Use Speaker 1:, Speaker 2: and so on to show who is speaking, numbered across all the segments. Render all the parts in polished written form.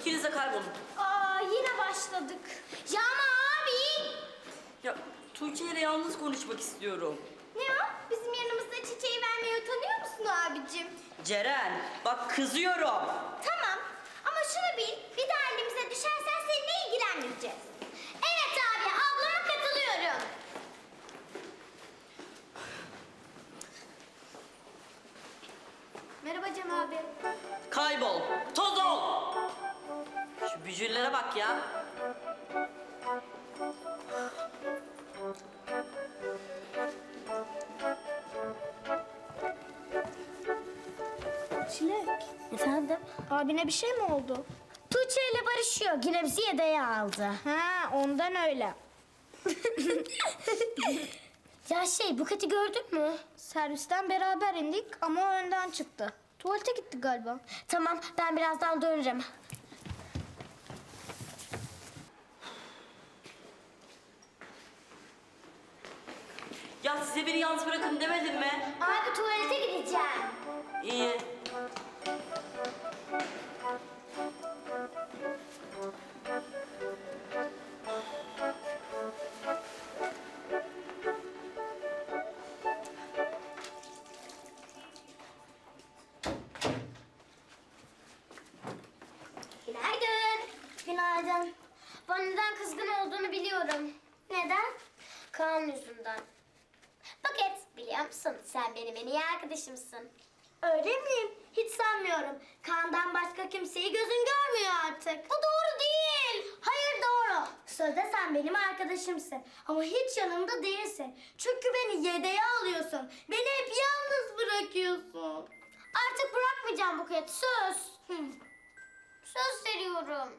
Speaker 1: İkiniz de kaybolun.
Speaker 2: Aa, yine başladık. Ya ama abi.
Speaker 1: Ya Tuğçe ile yalnız konuşmak istiyorum.
Speaker 2: Ne o? Bizim yanımızda çiçeği vermeye utanıyor musun abicim?
Speaker 1: Ceren, bak kızıyorum.
Speaker 2: Tamam ama şunu bil, bir daha elimize düşersen seninle ilgilenmeyeceğiz. Evet abi, ablama katılıyorum. Merhaba Cem abi.
Speaker 1: Kaybol, toz ol. Şu bücürlere bak ya.
Speaker 2: Çilek. Efendim? Abine bir şey mi oldu? Tuğçe ile barışıyor. Yine bizi yedeğe aldı. Ha, ondan öyle. Ya Buket'i gördün mü? Servisten beraber indik ama o önden çıktı. Tuvalete gitti galiba. Tamam, ben birazdan döneceğim.
Speaker 1: Ya size beni yalnız bırakın demedim mi?
Speaker 2: Abi tuvalete gideceğim.
Speaker 1: İyi.
Speaker 2: Günaydın. Günaydın. Bana neden kızgın olduğunu biliyorum. Neden? Kaan yüzünden. Buket, biliyor musun? Sen benim en iyi arkadaşımsın. Öyle miyim? Hiç sanmıyorum. Kaan'dan başka kimseyi gözün görmüyor artık. Bu doğru değil. Hayır doğru. Sözde sen benim arkadaşımsın. Ama hiç yanımda değilsin. Çünkü beni yedeğe alıyorsun. Beni hep yalnız bırakıyorsun. Artık bırakmayacağım Buket. Söz. Söz veriyorum.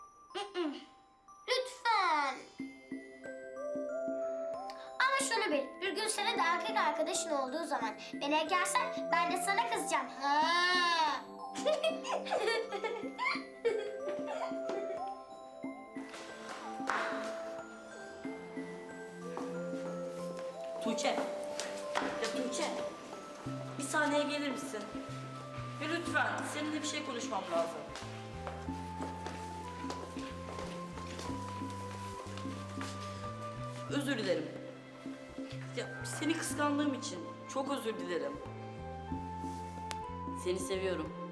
Speaker 2: Lütfen. Ama şunu bil, bir gün senin de erkek arkadaşın olduğu zaman beni ekersen ben de sana kızacağım. Ha.
Speaker 1: Tuğçe. Ya Tuğçe. Bir saniye gelir misin? Ya lütfen, seninle bir şey konuşmam lazım. Özür dilerim. Ya seni kıskandığım için çok özür dilerim. Seni seviyorum.